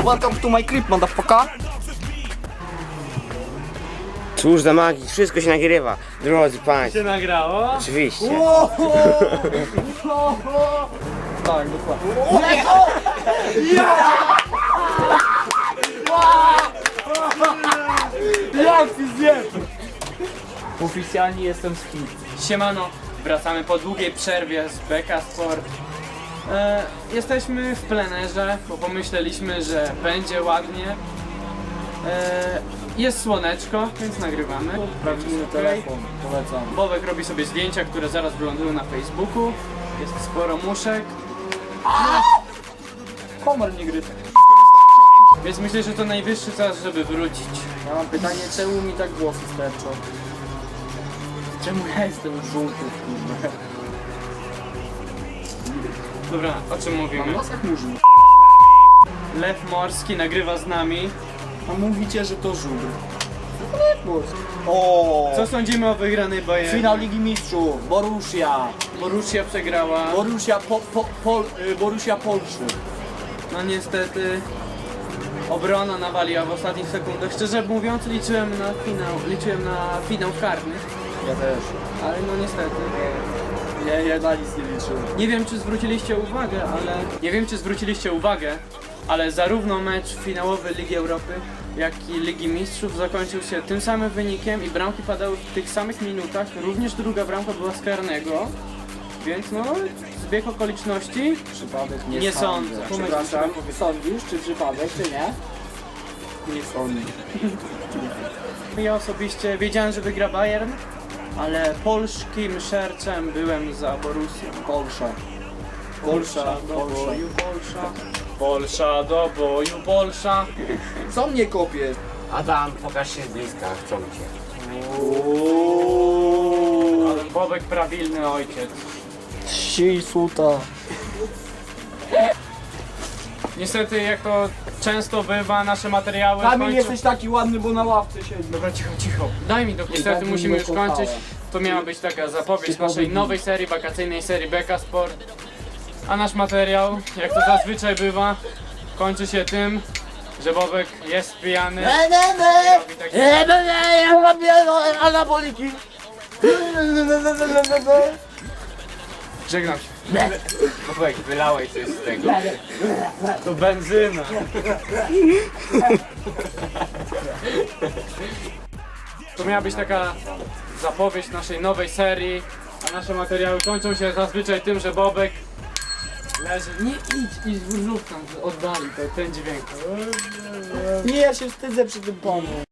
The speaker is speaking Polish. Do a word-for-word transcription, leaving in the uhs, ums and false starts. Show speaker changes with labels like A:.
A: Welcome to my crib, motherfucker.
B: Cóż za magii, wszystko się nagrywa, drodzy państwo.
C: Się nagrało?
B: Oczywiście.
A: Tak, dokładnie. Jak ty zjesz?
C: Oficjalnie jestem z Chin. Siemano, wracamy po długiej przerwie z Beka Sport. E, jesteśmy w plenerze, bo pomyśleliśmy, że będzie ładnie. E, jest słoneczko, więc nagrywamy.
A: Prawdziwy telefon, polecam.
C: Bobek robi sobie zdjęcia, które zaraz wylądują na Facebooku. Jest sporo muszek,
A: Komar nie gryzł.
C: więc myślę, że to najwyższy czas, żeby wrócić.
A: Ja mam pytanie, czemu mi tak włosy sterczą? Czemu ja jestem żółty, kurde?
C: Dobra, o czym mówimy?
A: Nos jak murzyn.
C: Lew Morski nagrywa z nami.
A: A mówicie, że to żubr. O!
C: Co sądzimy o wygranej Bayern?
A: Finał Ligi Mistrzów, Borussia.
C: Borussia przegrała.
A: Borussia, po, po, Pol, y, Borussia Polszy.
C: No niestety obrona nawaliła w ostatnich sekundach. Szczerze mówiąc liczyłem na finał, liczyłem na finał karny,
A: Ja też.
C: ale no niestety.
A: Ja, ja na nic nie liczyłem.
C: Nie wiem czy zwróciliście uwagę, ale nie wiem czy zwróciliście uwagę, ale zarówno mecz finałowy Ligi Europy, jak i Ligi Mistrzów zakończył się tym samym wynikiem i bramki padały w tych samych minutach. Również druga bramka była z karnego. Więc no, zbieg okoliczności.
A: Przypadek nie,
C: Nie
A: sądzę.
C: sądzę.
A: Przepraszam, sądzisz, czy przypadek, czy nie? Nie sądzę.
C: Ja osobiście wiedziałem, że wygra Bayern, ale polskim sercem byłem za Borussią.
A: Polsza.
C: Polsza do
A: Polsza.
C: boju, Polsza. Polsza do boju, Polsza.
A: Co mnie kopie?
B: Adam, pokaż się z bliska, chcą cię.
C: Ale Bobek prawilny ojciec.
A: Si, suta.
C: Niestety, jak to często bywa, nasze materiały
A: Kamil,
C: kończą...
A: jesteś taki ładny, bo na ławce siedzi.
C: Dobra, cicho, cicho. Daj mi to. Niestety
A: tak
C: musimy
A: mnie
C: już
A: kochałem.
C: kończyć. To miała być taka zapowiedź
A: Typowy
C: naszej
A: dzień.
C: nowej serii, wakacyjnej serii Beka Sport. A nasz materiał, jak to zazwyczaj bywa, kończy się tym, że Bobek jest pijany. Robi takie...
A: Anaboliki.
C: Żegnam się.
B: Bobek, wylałeś coś z tego.
C: To benzyna. To miała być taka zapowiedź naszej nowej serii, a nasze materiały kończą się zazwyczaj tym, że Bobek leży. Nie idź, idź, zrób tam, oddali to, ten dźwięk.
A: Nie, ja się wstydzę przy tym panu.